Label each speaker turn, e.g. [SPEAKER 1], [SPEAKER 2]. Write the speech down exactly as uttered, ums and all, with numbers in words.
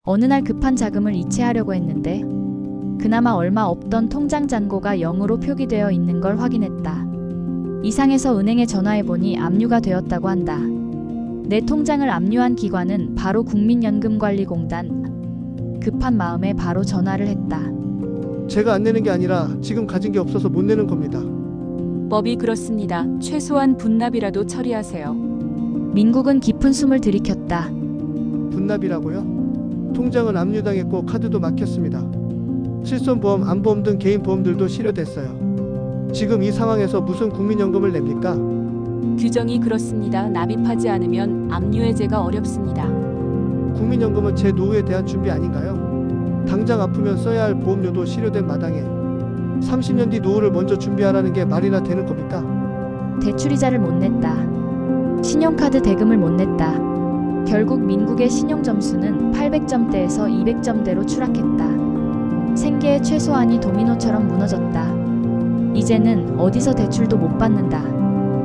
[SPEAKER 1] 어느 날 급한 자금을 이체하려고 했는데 그나마 얼마 없던 통장 잔고가 영으로 표기되어 있는 걸 확인했다. 이상해서 은행에 전화해보니 압류가 되었다고 한다. 내 통장을 압류한 기관은 바로 국민연금관리공단. 급한 마음에 바로 전화를 했다.
[SPEAKER 2] 제가 안 내는 게 아니라 지금 가진 게 없어서 못 내는 겁니다.
[SPEAKER 3] 법이 그렇습니다. 최소한 분납이라도 처리하세요.
[SPEAKER 1] 민국은 깊은 숨을 들이켰다.
[SPEAKER 2] 분납이라고요? 통장은 압류당했고 카드도 막혔습니다. 실손보험, 안보험 등 개인 보험들도 실효됐어요. 지금 이 상황에서 무슨 국민연금을 냅니까?
[SPEAKER 3] 규정이 그렇습니다. 납입하지 않으면 압류해제가 어렵습니다.
[SPEAKER 2] 국민연금은 제 노후에 대한 준비 아닌가요? 당장 아프면 써야 할 보험료도 실효된 마당에 삼십 년 뒤 노후를 먼저 준비하라는 게 말이나 되는 겁니까?
[SPEAKER 1] 대출이자를 못 냈다. 신용카드 대금을 못 냈다. 결국 민국의 신용점수는 팔백 점대에서 이백 점대로 추락했다. 생계의 최소한이 도미노처럼 무너졌다. 이제는 어디서 대출도 못 받는다.